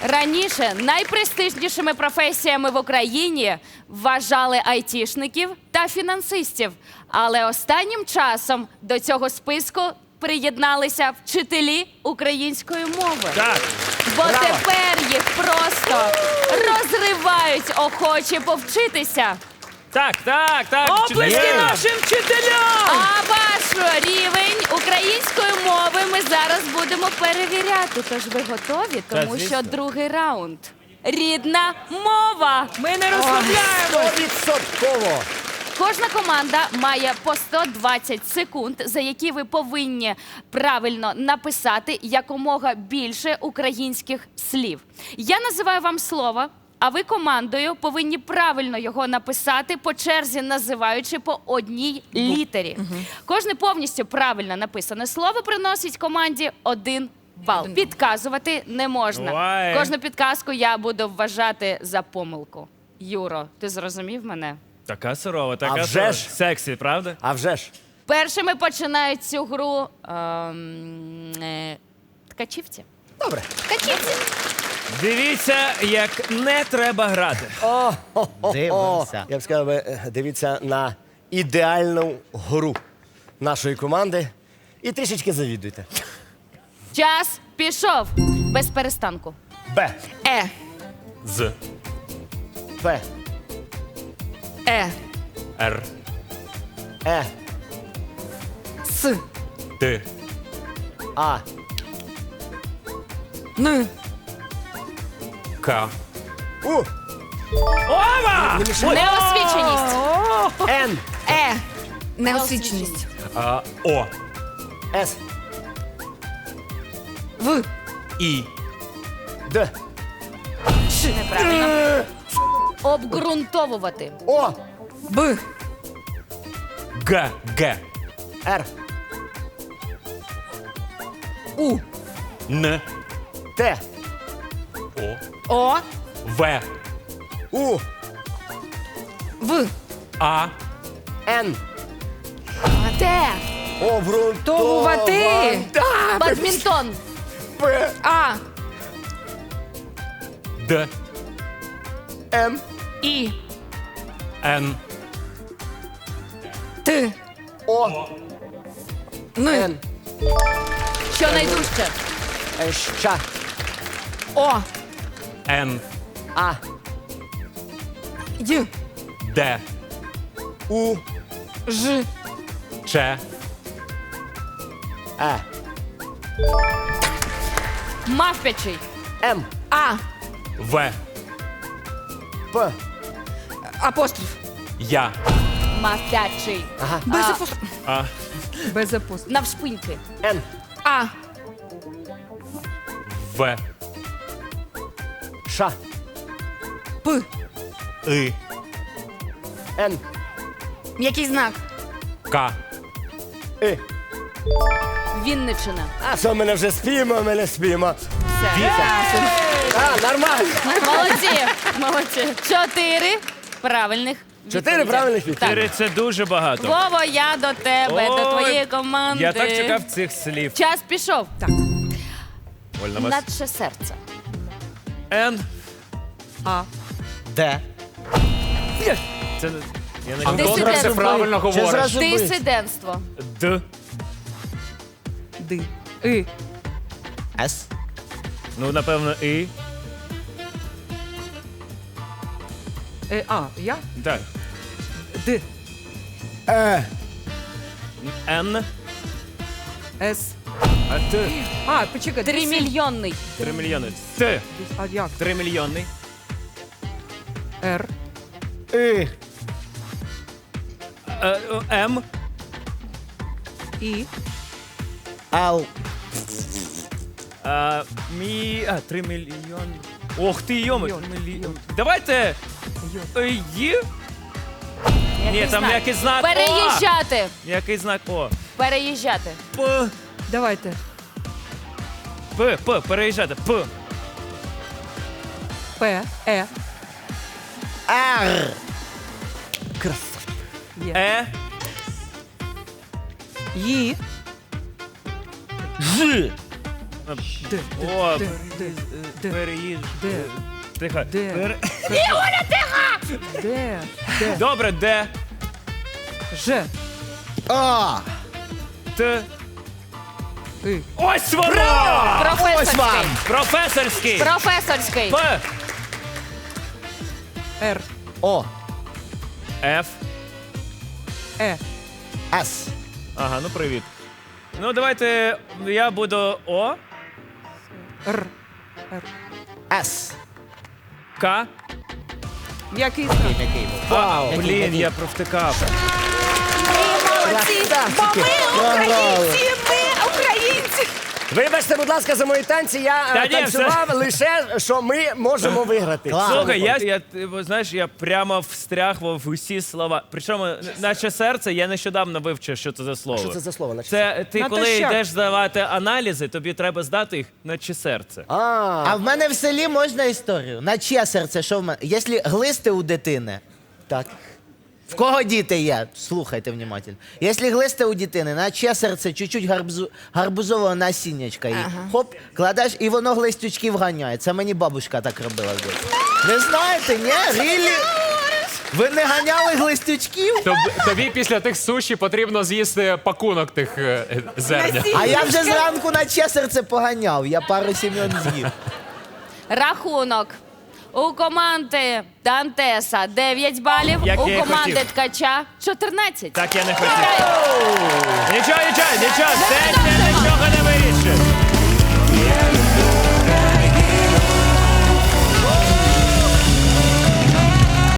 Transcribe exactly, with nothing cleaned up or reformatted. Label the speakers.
Speaker 1: Раніше найпрестижнішими професіями в Україні вважали айтішників та фінансистів. Але останнім часом до цього списку приєдналися вчителі української мови.
Speaker 2: Так.
Speaker 1: Бо
Speaker 2: Браво.
Speaker 1: тепер їх просто розривають охочі повчитися.
Speaker 2: Так, так, так.
Speaker 3: Оплески
Speaker 2: Є.
Speaker 3: нашим вчителям!
Speaker 1: А ваш рівень української мови ми зараз будемо перевіряти. Тож ви готові?
Speaker 2: Та,
Speaker 1: Тому
Speaker 2: звісно.
Speaker 1: що другий раунд. Рідна мова.
Speaker 3: Ми не розслабляємось!
Speaker 4: Стовідсотково.
Speaker 1: Кожна команда має по сто двадцять секунд, за які ви повинні правильно написати якомога більше українських слів. Я називаю вам слово, а ви командою повинні правильно його написати по черзі, називаючи по одній літері. Кожне повністю правильно написане слово приносить команді один бал. Підказувати не можна.
Speaker 2: Ой.
Speaker 1: Кожну підказку я буду вважати за помилку. Юро, ти зрозумів мене?
Speaker 2: Така сурова, така
Speaker 4: А вже
Speaker 2: сурова.
Speaker 4: ж.
Speaker 2: Сексі, правда?
Speaker 4: А вже ж.
Speaker 1: Першими починають цю гру ем, е, ткачівці.
Speaker 4: Добре.
Speaker 1: Ткачівці.
Speaker 2: Дивіться, як не треба грати.
Speaker 4: Дивимося. Я б сказав, би, е, дивіться на ідеальну гру нашої команди і трішечки завідуйте.
Speaker 1: Час пішов. Без перестанку.
Speaker 4: Б,
Speaker 3: Е,
Speaker 2: З.
Speaker 4: П,
Speaker 3: Е,
Speaker 2: Р.
Speaker 4: Е,
Speaker 3: С,
Speaker 2: Т.
Speaker 4: А,
Speaker 3: Н,
Speaker 2: К.
Speaker 4: У,
Speaker 2: Ова!
Speaker 1: Неосвіченість.
Speaker 4: Н,
Speaker 3: Е, неосвіченість.
Speaker 2: А, О.
Speaker 4: С,
Speaker 3: В,
Speaker 2: І.
Speaker 4: Д,
Speaker 1: Неправильно. Обґрунтовувати.
Speaker 4: О,
Speaker 3: Б,
Speaker 2: Г. Г.
Speaker 4: Р,
Speaker 3: У,
Speaker 2: Н.
Speaker 4: Т,
Speaker 2: О.
Speaker 3: О,
Speaker 2: В.
Speaker 4: У,
Speaker 3: В,
Speaker 2: А.
Speaker 4: Н,
Speaker 1: Т.
Speaker 4: обґрунтовувати.
Speaker 1: Бадмінтон.
Speaker 4: П,
Speaker 3: А,
Speaker 2: Д.
Speaker 4: М,
Speaker 3: І,
Speaker 2: Н.
Speaker 3: Т,
Speaker 4: О,
Speaker 3: Н,
Speaker 4: Н,
Speaker 1: Що найдужче?
Speaker 4: Е, Щ,
Speaker 3: О,
Speaker 2: Н.
Speaker 4: А,
Speaker 3: Й,
Speaker 2: Д.
Speaker 4: У,
Speaker 3: Ж,
Speaker 2: Ч.
Speaker 4: Е,
Speaker 1: Мавпячий.
Speaker 4: М,
Speaker 3: А,
Speaker 2: В.
Speaker 4: П,
Speaker 3: апостроф.
Speaker 2: Я.
Speaker 1: Мавпячий.
Speaker 4: ага,
Speaker 3: Без
Speaker 1: А.
Speaker 3: апостроф.
Speaker 2: А.
Speaker 3: Без апостроф.
Speaker 1: Навшпиньки.
Speaker 4: Н,
Speaker 3: А,
Speaker 2: В.
Speaker 4: Ш,
Speaker 3: П,
Speaker 2: И.
Speaker 4: Н,
Speaker 3: який знак?
Speaker 2: К.
Speaker 4: И.
Speaker 1: Вінниччина.
Speaker 4: А що, мене вже спіємо, ми не спіємо.
Speaker 1: Все.
Speaker 4: А, нормально.
Speaker 1: Молодці. Молодці. Чотири правильних.
Speaker 4: Чотири
Speaker 1: відповіді.
Speaker 4: правильних відповіді.
Speaker 2: Чотири – це дуже багато.
Speaker 1: Вово, я до тебе,
Speaker 2: Ой,
Speaker 1: до твоєї команди.
Speaker 2: Я так чекав цих слів.
Speaker 1: Час пішов.
Speaker 3: Так.
Speaker 2: Вольно вас.
Speaker 1: Наче серце.
Speaker 2: Н.
Speaker 3: А,
Speaker 4: Д.
Speaker 2: Це не... Я не
Speaker 1: Антон
Speaker 2: люблю.
Speaker 1: Добре, все
Speaker 4: правильно Чи зразу бить?
Speaker 1: Дисидентство.
Speaker 2: Д.
Speaker 3: Д, И,
Speaker 4: С.
Speaker 2: Ну, напевно, І.
Speaker 3: Е, А, я?
Speaker 2: Так.
Speaker 3: Д,
Speaker 4: Е.
Speaker 2: Н.
Speaker 3: С.
Speaker 2: А Т.
Speaker 3: А, почекай.
Speaker 1: Тримільйонний.
Speaker 2: Три мільйони. Т.
Speaker 3: А як?
Speaker 2: Три мільйонний.
Speaker 3: Р,
Speaker 4: И.
Speaker 2: Е, о, М.
Speaker 3: І,
Speaker 4: Л.
Speaker 2: А, мі... А, три мільйони. Ох ти, йоми.
Speaker 3: Мільйон,
Speaker 2: Три мільйони.
Speaker 3: мільйон.
Speaker 2: Давайте.
Speaker 3: Й.
Speaker 2: е, Є? Ні, там якийсь знак О.
Speaker 1: Переїжджати.
Speaker 2: Який знак О.
Speaker 1: Переїжджати.
Speaker 2: П.
Speaker 3: давайте.
Speaker 2: П. П. Переїжджати. П.
Speaker 3: П, Е,
Speaker 4: Р. Красавчик.
Speaker 3: Є.
Speaker 2: Е.
Speaker 3: Ї,
Speaker 4: Ж.
Speaker 3: Де?
Speaker 2: О,
Speaker 3: Де? Де? Де?
Speaker 2: переїж.
Speaker 3: Де?
Speaker 2: Тихо.
Speaker 3: Де?
Speaker 2: Пере-
Speaker 3: Де? Де?
Speaker 2: Добре, де?
Speaker 3: Ж.
Speaker 5: А,
Speaker 2: Т.
Speaker 3: І.
Speaker 2: Ось воно!
Speaker 5: ось
Speaker 1: Професорський.
Speaker 5: вам.
Speaker 2: Професорський.
Speaker 1: Професорський.
Speaker 2: П.
Speaker 3: Р.
Speaker 5: О,
Speaker 2: Ф.
Speaker 3: Е.
Speaker 5: С.
Speaker 2: Ага, ну привіт. Ну, давайте я буду О,
Speaker 3: Р. Р.
Speaker 5: С.
Speaker 2: К.
Speaker 3: М'який знак.
Speaker 5: Який був?
Speaker 2: Вау,
Speaker 5: Який,
Speaker 2: блін,
Speaker 5: який?
Speaker 2: я провтикав.
Speaker 1: Молодці, бо ми українці, ми українці.
Speaker 4: Вибачте, будь ласка, за мої танці. Я е,
Speaker 2: Та ні,
Speaker 4: танцював лише, що ми можемо виграти.
Speaker 5: Клас.
Speaker 2: Слухай, я, я, ти, знаєш, я прямо встряг в усі слова. Причому, наче серце, я нещодавно вивчив, що це за слово.
Speaker 4: Що це за слово? наче?
Speaker 2: Це ти, коли
Speaker 3: Натощак.
Speaker 2: йдеш здавати аналізи, тобі треба здати їх наче серце.
Speaker 4: А,
Speaker 5: А в мене в селі можна історію? На чиє серце, що в мене? Якщо глисти у дитини,
Speaker 4: так.
Speaker 5: в кого діти є? Слухайте внимательно. Якщо глисти у дитини, на чиє серце чуть-чуть гарбузу, гарбузового насіннячка є. Хоп, кладеш, і воно глистючків ганяє. Це мені бабушка так робила. в дитинстві. Ви знаєте, ні? Рілі? Ви не ганяли глистючків?
Speaker 6: Тоб- Тобі після тих суші потрібно з'їсти пакунок тих е, зерня.
Speaker 5: А я вже зранку на чиє серце поганяв. Я пару сім'ян з'їв.
Speaker 1: Рахунок. У команди Дантеса дев'ять балів,
Speaker 2: Як
Speaker 1: у
Speaker 2: я і
Speaker 1: команди
Speaker 2: хотів.
Speaker 1: Ткача чотирнадцять.
Speaker 2: Так я не хотів. Нічого, нічого, нічого. Це, це